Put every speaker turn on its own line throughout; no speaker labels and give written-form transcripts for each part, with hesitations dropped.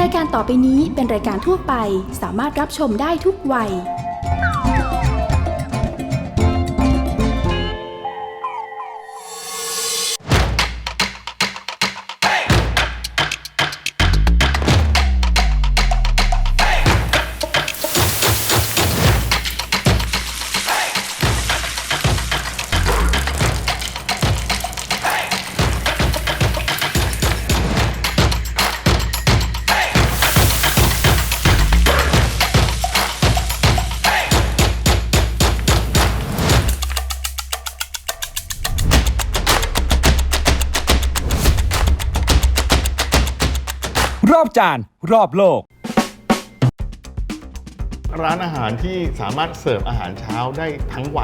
รายการต่อไปนี้เป็นรายการทั่วไปสามารถรับชมได้ทุกวัย
รอบจานรอบโลก
ร้านอาหารที่สามารถเสิร์ฟอาหารเช้าได้ทั้งวัน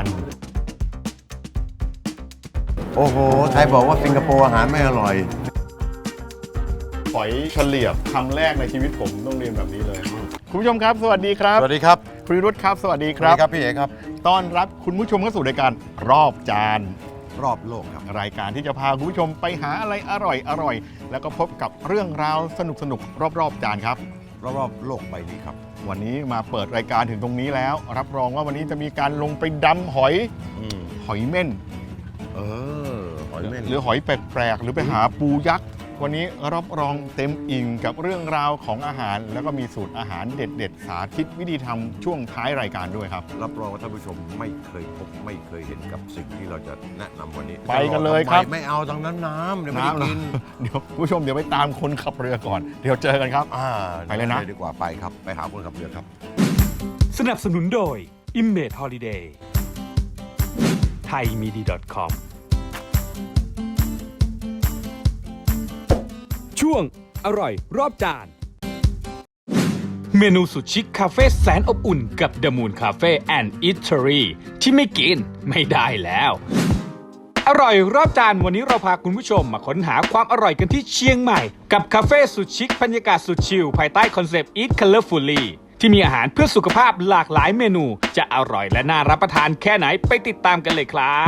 โอ้โห ใครบอกว่าสิงคโปร์อาหารไม่อร่อย
หอยเฉลียบคำแรกในชีวิตผมต้องเรียนแบบนี้เลย คุณผู้ชมครับ สวัสดีครับ
สวัสดีครับ
คุณวิรุธครับ สวัสดีค
สวั
รั
ส
บ
ดีครับพี่เอกครับ
ต้อนรับคุณผู้ชมเข้าสู่รายการรอบจาน
รอบโลกครับ
รายการที่จะพาคุณผู้ชมไปหาอะไรอร่อยแล้วก็พบกับเรื่องราวสนุกรอบจานครับ
รอบโลกใบนี้ครับ
วันนี้มาเปิดรายการถึงตรงนี้แล้ว รับรองว่าวันนี้จะมีการลงไปดำหอยเม่น
หอยเม่น
หรือหอยแปลกๆหรือไปหาปูยักษ์วันนี้รับรองเต็มอิ่งกับเรื่องราวของอาหาร แล้วก็มีสูตรอาหารเด็ดๆสาธิตวิธีทำช่วงท้ายรายการด้วยครับ
รับรองว่าท่านผู้ชมไม่เคยพบไม่เคยเห็นกับสิ่งที่เราจะแนะนำวันนี้
ไปกันเลยครับ
ไม่เอาตรงนั้นน้ำเดี๋ยวไม่ได้กิน
เดี๋ยวคุณผู้ชมเดี๋ยวไปตามคนขับเรือก่อนเดี๋ยวเจอกันครับ ไปเลยนะ
ดีกว่าไปครับไปหาคนขับเรือครับ
สนับสนุนโดย Image Holiday thaimidi.com ช่วงอร่อยรอบจาน เมนูสุดชิคคาเฟ่แสนอบอุ่นกับ The Moon Cafe and Eatery ที่ไม่กินไม่ได้แล้ว อร่อยรอบจานวันนี้เราพาคุณผู้ชมมาค้นหาความอร่อยกันที่เชียงใหม่กับคาเฟ่สุดชิคบรรยากาศสุดชิลภายใต้คอนเซปต์ Eat Colorfully ที่มีอาหารเพื่อสุขภาพหลากหลายเมนูจะอร่อยและน่ารับประทานแค่ไหนไปติดตามกันเลยครับ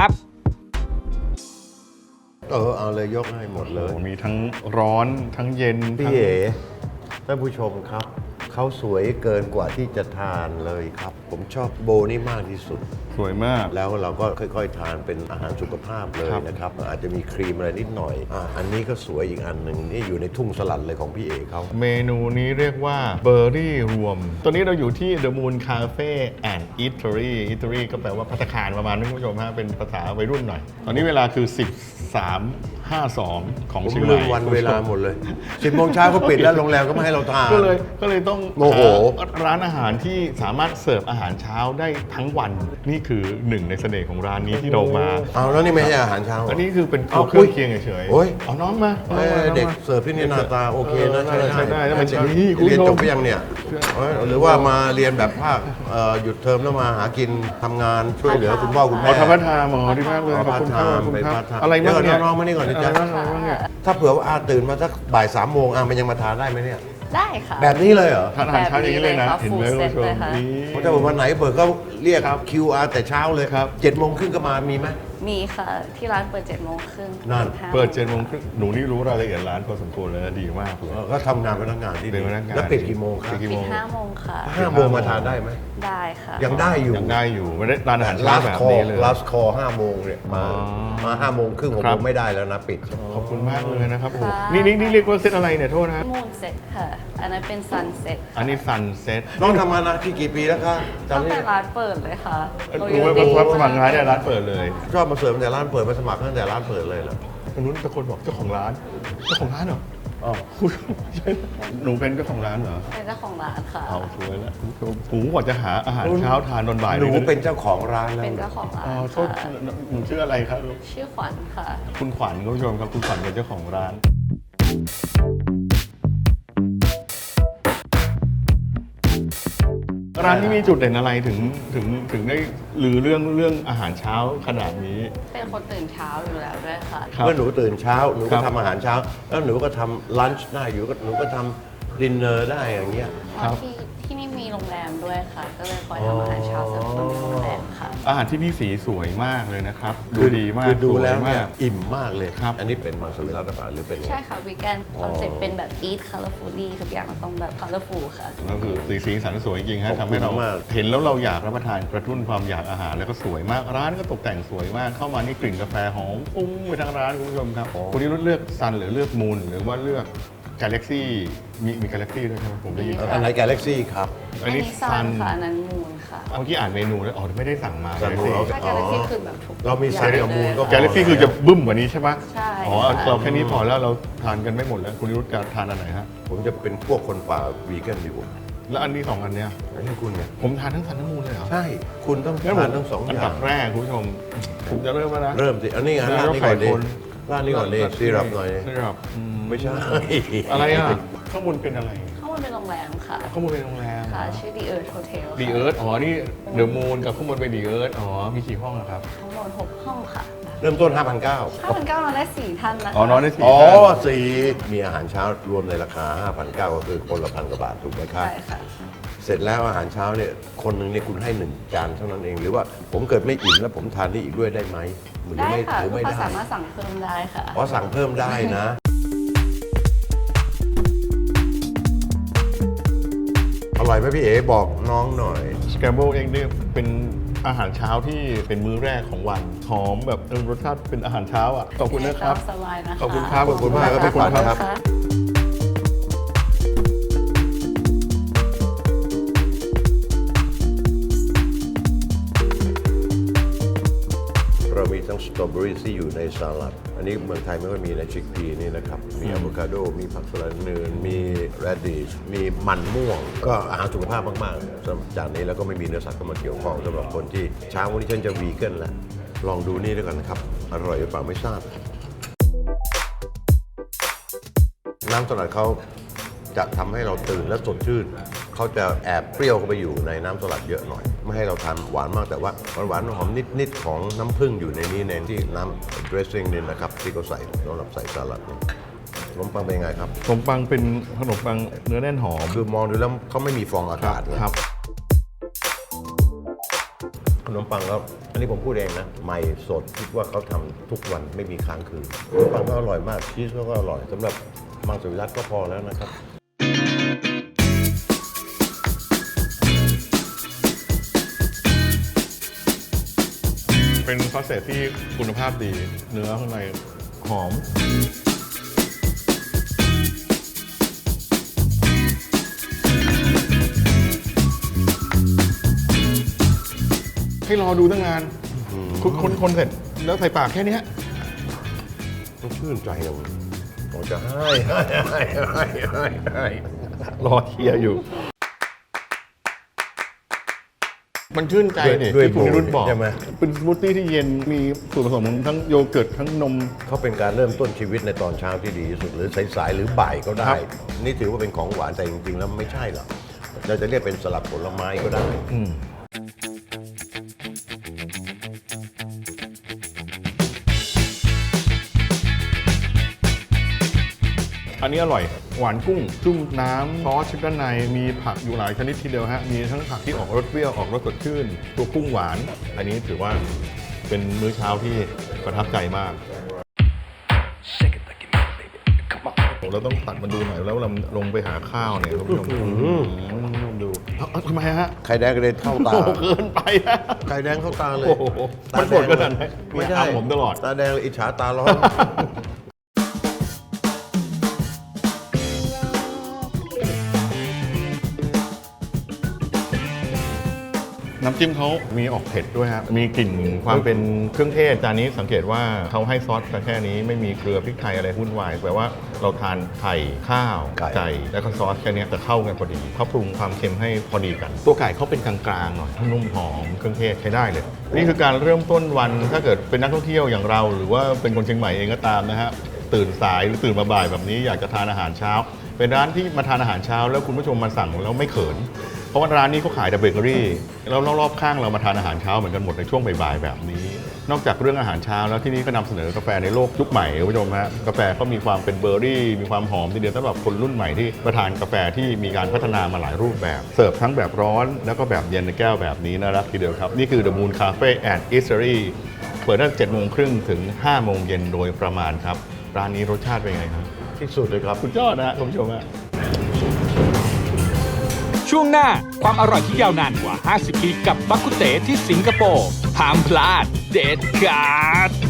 เอาเลยยกให้หมดเลย
โอ้มีทั้งร้อนทั้งเย็น
พี่
ทั้ง
เอ๋ท่านผู้ชมครับเขาสวยเกินกว่าที่จะทานเลยครับ ผมชอบโบนี่มากที่สุด
สวยมาก
แล้วเราก็ค่อยๆ ทานเป็นอาหารสุขภาพเลย
ครับ
นะครับอาจจะมีครีมอะไรนิดหน่อยอันนี้ก็สวยอีกอันหนึ่งนี่อยู่ในทุ่งสลัดเลยของพี่เอกเขา
เมนูนี้เรียกว่าเบอร์รี่รวม ตัวนี้เราอยู่ที่ The Moon Cafe and Eatery Eatery ก็แปลว่าภัตตาคารประมาณนี้คุณผู้ชมฮะเป็นภาษาวัยรุ่นหน่อย ตอนนี้เวลาคือ 13:52 ของ
ผม
เชียงให
ลื
ม่
มวันเวลาหมดเลย 10 โมงเช้าเขาปิดแล้วโรงแรมก็ไม่ให้เราทาน
ก็เลยต้อง
โมโห
หาร้านอาหารที่สามารถเสิร์ฟอาหารเช้าได้ทั้งวัน นี่คือหนึ่งในเสน่ห์ของร้านนี้ที่เรามา
เอาแล้วนี่ไม่ใช่อาหารเช้าเหร
อันนี้คือเป็น
เอา
เครื่องเคียงเฉย
โอ้ย
เอาน้องมา
เด็กเสิร์ฟที่นี่หน้าตาโอเคนะ
ใช่ได้แล้วมัน
เด็ก
นี่คุณ
เรียน
ผู้ช
จ
ม
บไปยังเนี่ยหรือว่ามาเรียนแบบภาคหยุดเทอมแล้วมาหากินทำงานช่วยเหลือคุณพ่อคุณ
หม
แม่
อธรรมทานหมอดีมากเลยขอบคุณครับขอบคุณครับอะไรบ้างเนี่ย
น้องมานี่ก่อนนะจ๊ะ
อะไรบ้างเนี่ย
ถ้าเผื่อว่าตื่นมาสักบ่าย3 โมงมันยังมาทานได้ไหมเนี่ย
ได้ค่ะ
แบบนี้เลยเหรอ
ทานอาหารเช้าอย่างนี้เลยนะ
แบบนี้
เห็นไหม
เลย
คุณ
ค่ะ
ผู้ชม
full set เลยค่ะ
นี่
ถ้าวันไหนเปิดก็เรียก
ครับ
QR แต่เช้าเลย
ครับ
7 โมงครึ่งก็มามีไหม
มีค่ะ ที่ร้านเปิด7 โมงครึ่ง
นั่น
ถึง5
เปิด7 โมงครึ่งหนูนี่รู้รายละเอียดร้านพอสมควรเลยนะดีมากเลย
ก็ทำงานพนักงานที่
เป็นพนักงาน
แล้วปิดกี่โมงครับ
ปิดกี่
ปิ
โม
ด
ง
5 โมงค่ะ
5 โมงมาทานได้ไหม
ได้ค่ะ
ยังได้อยู่
ยังได้อยู่ไม่ได้ร้านอาหารเช้า
last
แบบ
call
นี้เลย
last call 5 โมงเนี่ยมา
อ๋อ
มา5 โมงครึ่ง6
ครั
โม
บ
งไม่ได้แล้วนะปิด
ขอบคุณมากเลยนะครับโอ้โห
ค่ะ
นี่เรียกว่าเซตอะไรเนี่ยโทษนะ
มูนเซ็ตค่ะ อันนั้นเป็นซันเซ็ต
อันนี้ซันเซ็ต
น้องทำงานนะที่กี่ปีแล้วคะ
ตั้ง
จำได้
แต่ร้านเปิดเลยค่ะ
รู้ไหมว่าสมัครงานเนี่ยร้านเปิดเลย
ชอบมาเสิร์ฟตั้งแต่ร้านเปิดมาสมัครตั้งแต่ร้านเปิดเลยเหรอ
คนนู้นตะโกนบอกเจ้าของร้านเหรออ๋อคุณใช่หนูเป็นเจ้าของร้านเหรอ
เป็นเจ้าของร้านค่ะ
เอาช่วยแล้วหนูกว่าจะหาอาหารเช้าทานตอนบ่าย
หนูเป็นเจ้าของร้านแล้ว
เป็นเจ้าของร้าน
อ๋อโทษ
ค่ะ
หนูชื่ออะไรครับ
ชื่อขวัญค่ะ
คุณขวัญคุณผู้ชมครับคุณขวัญเป็นเจ้าของร้าน ร้านนี้มีจุดเด่นอะไรถึงได้ลือเรื่องอาหารเช้าขนาดนี้
เป็นคนตื่นเช้าอยู่แล้วด้วยค่ะ
ครับ
เมื่อหนูตื่นเช้าหนู
ครั
ก็
บ
ทำอาหารเช้า แล้วหนูก็ทำลันช์ได้อยู่หนูก็ทำดินเนอร์ได้อย่างเงี้ย
เพราะที่ที่นี่มีโรงแรมด้วยค่ะ ก็เลยคอยทำอาหารเช้าเสิร์ฟคนในโรงแรมค่ะ
อาหารที่นี่สีสวยมากเลยนะครับ ดูดีมาก
คือดูแล้ว
สย
เนี่
มาย ก
อิ่มมากเลย
ครับ
อันนี้เป็นมังสวิรัติหรือเป็นไง
ใช่ค่ะวีแกนคอนเซ็ปต์เป็นแบบ eat colorfully ทุกอย่างมันต้องแบบ colorful ค่ะ
ก็คือสีสันสวยจริงๆฮะ
ขอบคุณ
ทำให้เรา
มาก
เห็นแล้วเราอยากรับประทานกระตุ้นความอยากอาหารแล้วก็สวยมากร้านก็ตกแต่งสวยมากเข้ามานี่กลิ่นกาแฟหอมฟุ้งไปทั้งร้านคุณผู้ชมครับคุณนิรุธเลือกซันหรือเลือกมูนหรือว่าเลือกกาแล็กซี่มีกาแล็กซี่ด้วยใช่ไหมผมได้ยิน
มี
อันไหนกาแล็กซี่ครับ
อันนี้ซันค่ะ อันนั้นมูนค่ะ
เมื่อกี้อ่านเมนูแล้วอ๋อไม่ได้สั่งมา
ซันมูน
ถ้า Galaxy คือแบบถูก
เรามีซันกับมูนก็
กาแล็กซี่คือจะบึ้มกว่านี้ใช่ปะ
ใช่
อ๋อเราแค่นี้พอแล้วเราทานกันไม่หมดแล้วคุณนิรุธจะทานอันไหนฮะ
ผมจะเป็นพวกคนป่าวีแกนดีกว่า
แล้วอันนี้สองอันเนี้ย
อันนี้คุณเนี่ย
ผมทานทั้งซันทั้งมูนเลยเหรอ
ใช่ คุณต้อง
งั้นผม
ทานทั้งสองอ
อัน
ย่า
ดั
ง
บแรกคุณผู้ชมผมจะเริ่มแล้วนะ
เริ่มสิอันนี้อันร้านนี้ก่อนดิ
ไข่คน
ร้านนี้ก่อนดิซีรับหน่อยดิ
ซีรับ
ไม่ใช่
อะไรอ่ะข้างบนเป็นอะไร
ข้างบนเป็นโรงแรมค่ะ
ข้างบนเป็นโรงแรม
ค่ะ ชื่อ The Earth Hotel
ดีเอิร์ธอ๋อ นี่เดอะมูนกับข้างบนเป็นดีเอิร์ธอ๋อ มีกี่ห้องอะครับ
ทั้งหมด6ห้องค่ะ
เริ่มต้น 5,900
5,900นอนได้4ท่านนะคะ
อ๋อนอนได้สี่
อ๋อ
ท่าน
สี่มีอาหารเช้ารวมในราคา 5,900 ก็คือคนละ1,000 กว่าบาทถูกไหมครับ
ใช่ค่ะ
เสร็จแล้วอาหารเช้าเนี่ยคนหนึ่งเนี่ยคุณให้1 จานเท่านั้นเอง หรือว่าผมเกิดไม่อิ่มแล้วผมทานนี่อีกด้วยได้ไหมหรือ
ได้
ไม่
ค่ะ
หรือ
ลูก
ไม่
ค้า
ได้
สามารถสั่งเพิ่มได้ค่ะ
อ๋อสั่งเพิ่มได้นะ อร่อยไหมพี่เอ๋บอกน้องหน่อย
สแครมเบิลเองเนี่ยเป็นอาหารเช้าที่เป็นมื้อแรกของวัน หอมแบบรสชาติเป็นอาหารเช้าอ่ะ ขอบคุณนะครับ
สบายนะคะ
ขอบคุณครับ ขอบคุณมากครับพี่ขวัญครับ
ะ
เรามีทั้งสตรอเบอรี่ที่อยู่ในสลัด อันนี้เมืองไทยไม่ค่อยมีในชิคพีนี่นะครับ มีอะโวคาโด มีผักสลัดเนิน มีแรดดิช มีมันม่วง ก็อาหารสุขภาพมากๆสำหรับจานนี้แล้วก็ไม่มีเนื้อสัตว์เข้ามาเกี่ยวข้องสำหรับคนที่เช้าวันนี้ฉันจะวีแกนแล้ว ลองดูนี่ด้วยกันนะครับ อร่อยหรือเปล่าไม่ทราบ น้ำสลัดเขาจะทำให้เราตื่นและสดชื่น เขาจะแอบเปรี้ยวเข้าไปอยู่ในน้ำสลัดเยอะหน่อย ไม่ให้เราทานหวานมากแต่ว่าหวานๆหอมนิดๆของน้ำผึ้งอยู่ในนี้ในที่น้ำ dressing นี่นะครับที่เขาใส่สำหรับใส่สลัดนี่ขนมปังเป็นไงครับ
ขนมปังเป็นขนมปังเนื้อแน่นหอม
คือมองดูแล้วเขาไม่มีฟองอากาศนะครับ ขนมปังแล้วอันนี้ผมพูดเองนะ ใหม่สดคิดว่าเขาทำทุกวันไม่มีค้างคืนขนมปังก็อร่อยมากชีสก็อร่อยสำหรับมังสวิรัติก็พอแล้วนะครับ
เป็นซอสเศษที่คุณภาพดี เนื้อข้างในหอม ให้รอดูตั้งนานคนเสร็จแล้วใส่ปากแค่เนี้ย
ต้องชื่นใจเราเราจะให้
รอเทียร์อยู่ มันชื่นใจเนี่ย
ด้วย
ที่คุณนิรุธบอก
ใช่ไหม
เป็นสมูทตี้ที่เย็นมีส่วนผสมของทั้งโยเกิร์ตทั้งนม
เขาเป็นการเริ่มต้นชีวิตในตอนเช้าที่ดีที่สุดหรือสายๆหรือบ่ายก็ได้
ครับ
นี่ถือว่าเป็นของหวานแต่จริงๆแล้วไม่ใช่หรอกเราจะเรียกเป็นสลัดผลไม้ก็ได้
อันนี้อร่อย หวานกุ้ง จุ่มน้ำซอสชิดด้านใน มีผักอยู่หลายชนิดทีเดียวฮะ มีทั้งผักที่ออกรสเปรี้ยว ออกรสสดชื่น ตัวกุ้งหวาน อันนี้ถือว่าเป็นมื้อเช้าที่ประทับใจมาก เราต้องตัดมันดูหน่อยแล้วเราลงไปหาข้าวเนี่ยคุณผู้ชมดูเอาทำไมฮะ
ไข่แดงกระเด็นเข้าตา
โอ้โหเกินไปฮะ
ไข่แดงเข้าตาเลย
โอ้โหมันโกรธขนาดไหน
ไม่ใช่
เอาผมตลอด
ตาแดงเลยอิจฉาตาร้อน
น้ำจิ้มเขามีออกเผ็ดด้วยฮะ มีกลิ่นความเป็นเครื่องเทศ จานนี้สังเกตว่าเขาให้ซอสแค่นี้ไม่มีเกลือพริกไทยอะไรวุ่นวายแปลว่าเราทานไข่ข้าว
ไก่
แล้วก็ซอสแค่นี้จะเข้ากันพอดีเขาปรุงความเค็มให้พอดีกัน ตัวไก่เขาเป็นกลางๆหน่อยนุ่มหอมเครื่องเทศใช้ได้เลย นี่คือการเริ่มต้นวันถ้าเกิดเป็นนักท่องเที่ยวอย่างเรา หรือว่าเป็นคนเชียงใหม่เองก็ตามนะฮะตื่นสายหรือตื่นมาบ่ายแบบนี้อยากจะทานอาหารเช้า เป็นร้านที่มาทานอาหารเช้าแล้วคุณผู้ชมมาสั่งแล้วไม่เขิน เพราะว่าร้านนี้เขาขายแต่เบเกอรี่แล้วรอบๆข้างเรามาทานอาหารเช้าเหมือนกันหมดในช่วงบ่ายๆแบบนี้นอกจากเรื่องอาหารเช้าแล้วที่นี่ก็นำเสนอกาแฟในโลกยุคใหม่คุณผู้ชมฮะกาแฟก็มีความเป็นเบอร์รี่มีความหอมทีเดียวสำหรับคนรุ่นใหม่ที่ประทานกาแฟที่มีการพัฒนามาหลายรูปแบบเสิร์ฟทั้งแบบร้อนแล้วก็แบบเย็นในแก้วแบบนี้น่ารักทีเดียวครับนี่คือ The Moon Cafe and Eatery เปิดตั้งแต่ 7:30 ถึง 5 โมงเย็นโดยประมาณครับร้านนี้รสชาติเป็นไงครับ
ที่สุดเลยครับ
สุดยอดนะคุณผู้ชมฮะ
ช่วงหน้าความอร่อยที่ยาวนานกว่า 50 ปีกับบักกุเตที่สิงคโปร์ห้ามพลาดเด็ดขาด